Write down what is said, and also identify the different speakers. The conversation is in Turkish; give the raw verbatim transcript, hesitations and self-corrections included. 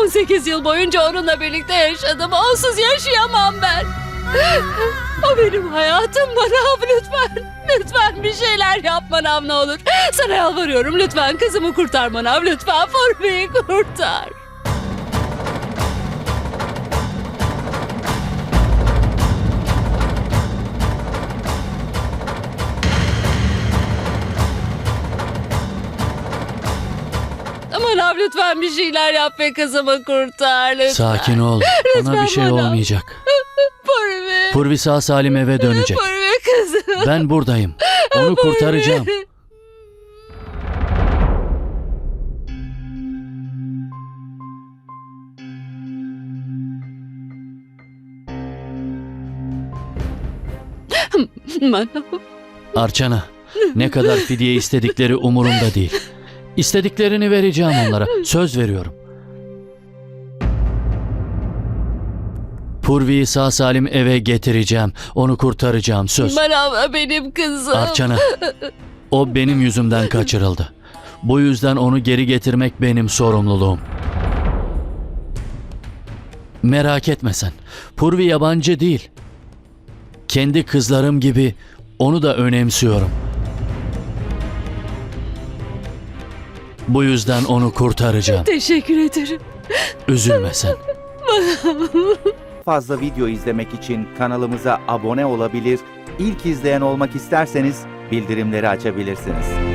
Speaker 1: on sekiz yıl boyunca onunla birlikte yaşadım. Onsuz yaşayamam ben. O benim hayatım Manav, lütfen. Lütfen bir şeyler yap Manav, ne olur. Sana yalvarıyorum, lütfen kızımı kurtar Manav. Lütfen Purvi'yi kurtar. Manav, lütfen bir şeyler yap ve kızımı kurtar lütfen.
Speaker 2: Sakin ol. Ona bir şey
Speaker 1: Manav.
Speaker 2: olmayacak.
Speaker 1: Purvi.
Speaker 2: Purvi sağ salim eve dönecek.
Speaker 1: Purvi kızım.
Speaker 2: Ben buradayım. Onu kurtaracağım.
Speaker 1: Manav.
Speaker 2: Arçana, ne kadar fidye istedikleri umurumda değil. İstediklerini vereceğim onlara. Söz veriyorum. Purvi'yi sağ salim eve getireceğim. Onu kurtaracağım. Söz.
Speaker 1: Manav benim kızım.
Speaker 2: Arçana, o benim yüzümden kaçırıldı. Bu yüzden onu geri getirmek benim sorumluluğum. Merak etme sen. Purvi yabancı değil. Kendi kızlarım gibi onu da önemsiyorum. Bu yüzden onu kurtaracağım.
Speaker 1: Teşekkür ederim.
Speaker 2: Üzülme sen.
Speaker 3: Fazla video izlemek için kanalımıza abone olabilir, ilk izleyen olmak isterseniz bildirimleri açabilirsiniz.